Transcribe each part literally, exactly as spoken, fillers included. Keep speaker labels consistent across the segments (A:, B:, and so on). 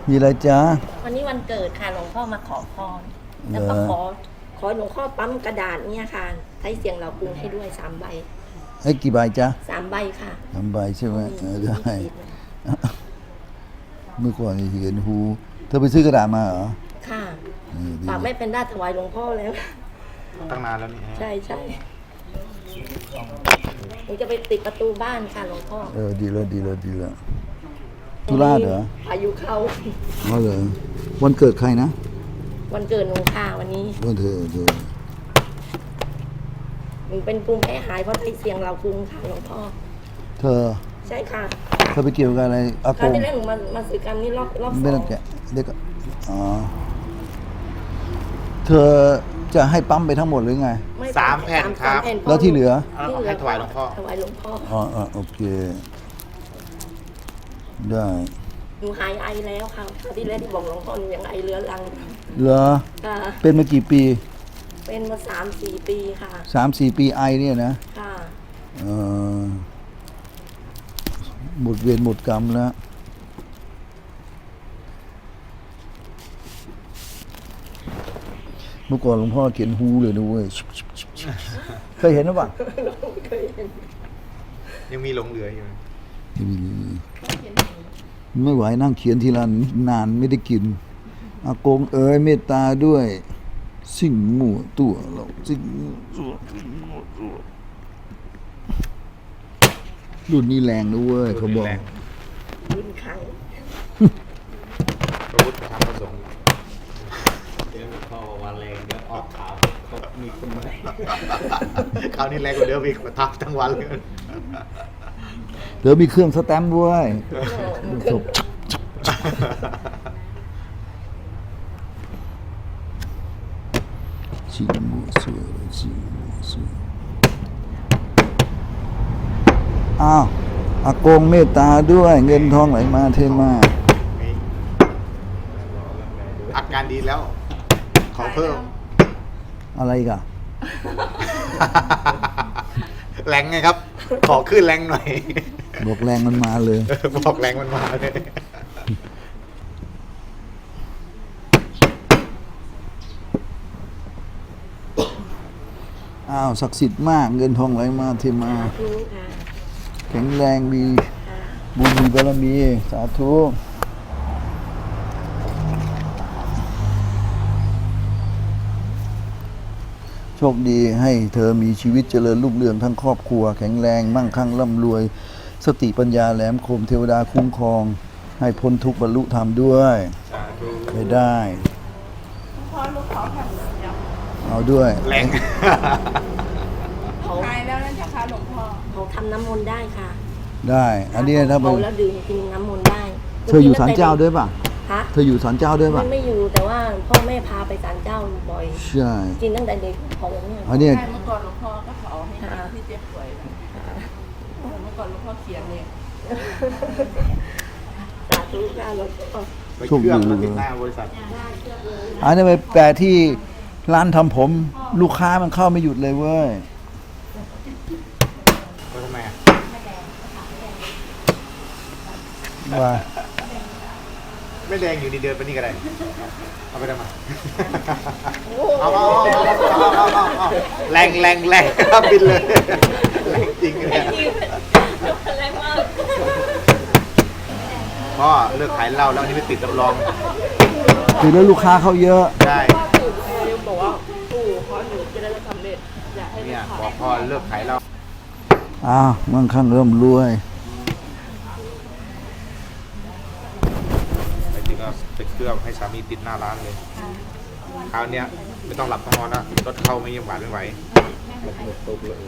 A: มีอะไรจ๊ะ
B: วันนี้วันเกิดค่ะหลวงพ่อมาขอพรแล้วก็ขอขอหลวงพ่อปั๊มกระดาษเนี่ยค่ะใช้เสียงเหล่ากรุงให้ด้วยสามใบ
A: ให้กี่ใบจ๊ะ
B: สามใบค่ะ
A: สามใบใช่ไหมได้เมื่อก่อนเห็นฮูเธอไปซื้อกระดาษมาเหรอ
B: ค่ะฝากแม่เป็นได้ถวายหลวงพ่อแล้ว
C: ตั้งนานแล้วนี่
B: ใช่ใช่หนูจะไปติดประตูบ้านค่ะหลวงพ่อ
A: เออดีแล้วดีแล้วดีแล้วธุระเหรอ
B: อายุเข้า
A: อ๋อเหรอวันเกิดใครนะ
B: วันเกิดหนูค่ะวันนี้
A: วันเธอเธอ
B: หนูเป็นภูมิแพ้หายเพราะใช้เสียงเหล่ากรุงค่ะหลวงพ่อ
A: เธอ
B: ใช่ค่ะ
A: เธอไปเกี่ยวกับอะไรอากง
B: ที่แรกหนูมามาสื่อกรรมนี่รอบรอบสอง
A: ไม่ต้องแกะเด็กอ๋อเธอจะให้ปั๊มไปทั้งหมดหรือไง
C: สามแผ่นครับ
A: แล้วที่เหลือ
C: ให้ถวายหลวงพ่อ
B: ถวายหลวงพ่อ
A: อ๋ออ๋อโอเคได้
B: หนูหายไอแล้วค่ะที่แรกที่บอกหลวงพ่อหนูยังไอเรื้อรัง
A: เหรอเป็นมากี่ปี
B: เป็นมาสามสี่ปีค่ะ
A: สามสี่ปีไอเนี่ยนะ
B: ค่ะ
A: เออหมดเวรหมดกรรมแล้วเมื่อก่อนหลวงพ่อเขียนฮูเลยนะเว้ยเคยเห็นหรือเปล่า
B: เคยเห็น
C: ยังมีหลงเหลืออยู่
A: ไม่ไหวนั่งเขียนทีละนานไม่ได้กินอากงเอ๋ยเมตตาด้วยสิ่งมั่วตัวเราสิ่งมั่วตัวรุ่นนี้แรงนะเว้ยเขาบอก
B: รุ่นขัง
C: พระพุทธธรรมพระสงฆ์
D: เดี๋ยวพอวันแรงเดี๋ยวออกข่าวมีคนมา
C: คราวนี้แรงกว่าเดิมอีกประทับทั้งวันเลย
A: เดี๋ยวมีเครื่องสแตมป์ด้วยชิงมัวสวยชิงมัวสวยอ้าวอากงเมตตาด้วยเงินทองไหลมาเทมา
C: อาการดีแล้วขอเพิ่ม
A: อะไรกัน
C: แรงไงครับขอขึ้นแรงหน่อย
A: บอกแรงมันมาเลย
C: บอกแรงมันมาเลย
A: อ้าวศักดิ์สิทธิ์มากเงินทองไหลมาเทมาแข็งแรงมีบุญมีบารมีสาธุโชคดีให้เธอมีชีวิตเจริญรุ่งเรืองทั้งครอบครัวแข็งแรงมั่งคั่งร่ำรวยสติปัญญาแหลมคมเทวดาคุ้มครองให้พ้นทุกข์บรรลุธรรมด้วยไม่ได้
E: พ่อลูกขอแผ่นเดียว
A: เอาด้วย
C: แรง
E: เขาหายแล้วนั่นใช่คะหลวงพ่อ
B: เขาทำน้ำมนต์ได้ค่ะ
A: ได้อันนี้ถ้า
B: เขาแล้วดื่มกินน้ำมนต์ได้
A: เธออยู่ศาลเจ้าด้วยป่ะเธออยู่ศาลเจ้าด้วยป่ะ
B: ไม่อยู่แต่ว่าพ่อแม่พาไปศาลเจ้าบ่อย
A: ใช่
B: กินตั้งแต่เด็กของเนี่ย
A: อันนี้
E: เมื่อก่อนหลวงพ่อก็เผาให้ที่เจ็บป่วยเมื่อก่อนหลวงพ่อเขียนเลย
B: สาธุค่ะหลวงพ่อ
A: โชคดี
C: ติดหน้าบริษัท
A: อันนี้ไปแปลที่ร้านทำผมลูกค้ามันเข้าไม่หยุดเลยเว้ย
C: ทำไมอ่ะ
A: ว่า
C: ไม่แดงอยู่ดีเดินไปนี่ก็ได้เอาไปทำไมเอาเอาเอาแรงแรงแรงบินเลยแรงจริงเลย
B: แรงมาก
C: พ่อเลิกขายเหล้าแล้วนี่ไปติดรับรอง
A: ติดแล้วลูกค้าเขาเยอะ
C: ใช่
E: บอกว่าปู่พ่อหนูจะได้สำเร็จอยากให้
C: เนี่ยบอกพ่อเลิกขายเหล้า
A: อ้าวมั่งคั่งเริ่มรวย
C: ไปเครื่องให้สามีติดหน้าร้านเลยคราวนี้ไม่ต้องหลับต้องนอนนะรถเข้าไม่ยังหวาดไม่ไหวหมดหมดตุกเลย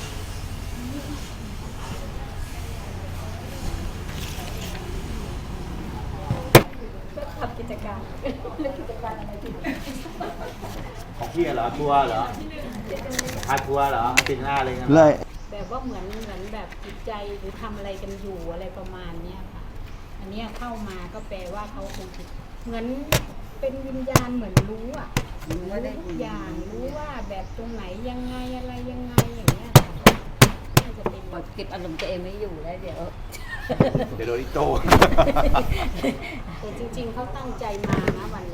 E: ทำกิจการเรื่องกิจการอะไรที่
C: ของพี่เหรอทัวร์เหรอพาทัวร์เหรอติดหน้าเลยนะ
E: แบบว่าเหมือนเหมือนแบบจิตใจหรือทำอะไรกันอยู่อะไรประมาณนี้ค่ะอันนี้เข้ามาก็แปลว่าเขาคงเหมือนเป็นวิญญาณเหมือนรู้อ่ะรู้ทุกอย่างรู้ว่าแบบตรงไหนยังไงอะไรยังไงอย่างเงี้ยค่ะน่าจะเป็น
B: เก็บอารมณ์ตัวเองไม่อยู่แล้วเดี๋ยว
C: เดี๋ยวโดนอีโต้
E: แต่จริงๆเขาตั้งใจมานะวัน